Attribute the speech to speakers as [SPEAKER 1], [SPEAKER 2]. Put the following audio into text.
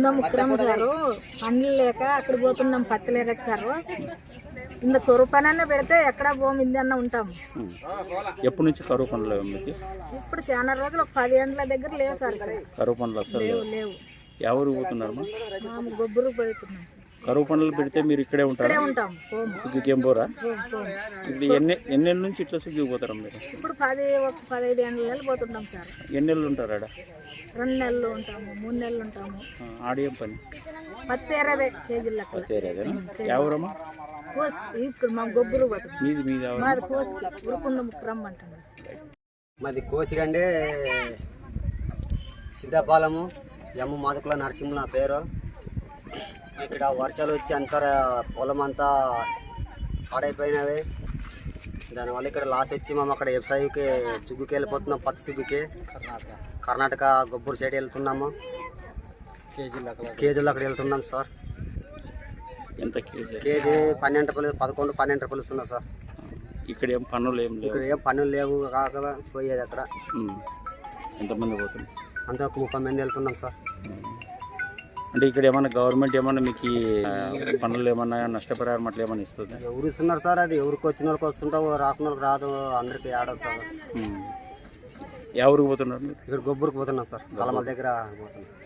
[SPEAKER 1] పోతున్నాం ముక్కరం సారు, పండ్లు లేక అక్కడ పోతున్నాం, పత్తి లేక సారు. ఇంత కరువు పని అన్న పెడితే ఎక్కడ పోమింది అన్న ఉంటాం.
[SPEAKER 2] ఎప్పటి నుంచి కరువు పనులు మీకు?
[SPEAKER 1] ఇప్పుడు చాలా రోజులు, ఒక 10 ఏళ్ళ దగ్గర లేవు సార్.
[SPEAKER 2] కరువు పనులు అసలు
[SPEAKER 1] లేవు.
[SPEAKER 2] ఎవరు పోతున్నారు?
[SPEAKER 1] మేము గొబ్బరు పోతున్నాం సార్.
[SPEAKER 2] కరువు పనులు పెడితే మీరు ఇక్కడే ఉంటారు?
[SPEAKER 1] ఉంటాం.
[SPEAKER 2] సుగ్గికేం పోరా? ఇది ఎన్నేళ్ళ నుంచి ఇట్లా సుగ్గిపోతారా మీరు?
[SPEAKER 1] ఇప్పుడు 15 ఏళ్ళు పోతుంటాం సార్.
[SPEAKER 2] ఎన్ని నెలలు ఉంటారు ఆడ?
[SPEAKER 1] 2 నెలలు ఉంటాము, 3 నెలలు ఉంటాము.
[SPEAKER 2] ఆడేం పని?
[SPEAKER 1] పత్తి ఏరేదే కేజీల
[SPEAKER 2] ఎవరమ్మా?
[SPEAKER 1] ఇప్పుడు మా గొబ్బరు పోతుంది.
[SPEAKER 2] మీది
[SPEAKER 1] మాది కోసికి ఉరుకుంద ముక్కరం అంటున్నారు.
[SPEAKER 3] మాది కోసికంటే సిద్ధపాలము, ఎమ్మ మాదుకుల నరసింహ నా పేరు. ఇక్కడ వర్షాలు వచ్చి అంతా పొలం అంతా పాడైపోయినవి. దానివల్ల ఇక్కడ లాస్ వచ్చి మేము అక్కడ వ్యవసాయకి సుగ్గుకి వెళ్ళిపోతున్నాం, పత్తి సుగ్గుకి. కర్ణాటక గొబ్బూరు సైడ్ వెళ్తున్నాము. కేజీలు అక్కడ వెళ్తున్నాం సార్.
[SPEAKER 2] ఎంత కేజీ?
[SPEAKER 3] కేజీ 12 రూపాయలు, 11-12 రూపాయలు ఇస్తున్నారు సార్.
[SPEAKER 2] ఇక్కడ ఏం పనులు ఏం లేవు?
[SPEAKER 3] ఇక్కడ ఏం పనులు లేవు, కాక పోయేది అక్కడ.
[SPEAKER 2] ఎంతమంది పోతుంది?
[SPEAKER 3] అంతా ఒక 30 మంది వెళ్తున్నాం సార్.
[SPEAKER 2] అంటే ఇక్కడ ఏమన్నా గవర్నమెంట్ ఏమన్నా మీకు పనులు ఏమన్నా నష్టపరిహారం అట్లా ఏమన్నా ఇస్తుంది?
[SPEAKER 3] ఎవరు ఇస్తున్నారు సార్? అది ఎవరికి వచ్చిన వాళ్ళకి వస్తుంటావు, రాకున్న వాళ్ళకి రాదు, అందరికి ఆడదు సార్.
[SPEAKER 2] ఎవరికి పోతున్నారు?
[SPEAKER 3] ఇక్కడ గొబ్బూరుకు పోతున్నాం సార్, కలమల దగ్గర పోతున్నాం.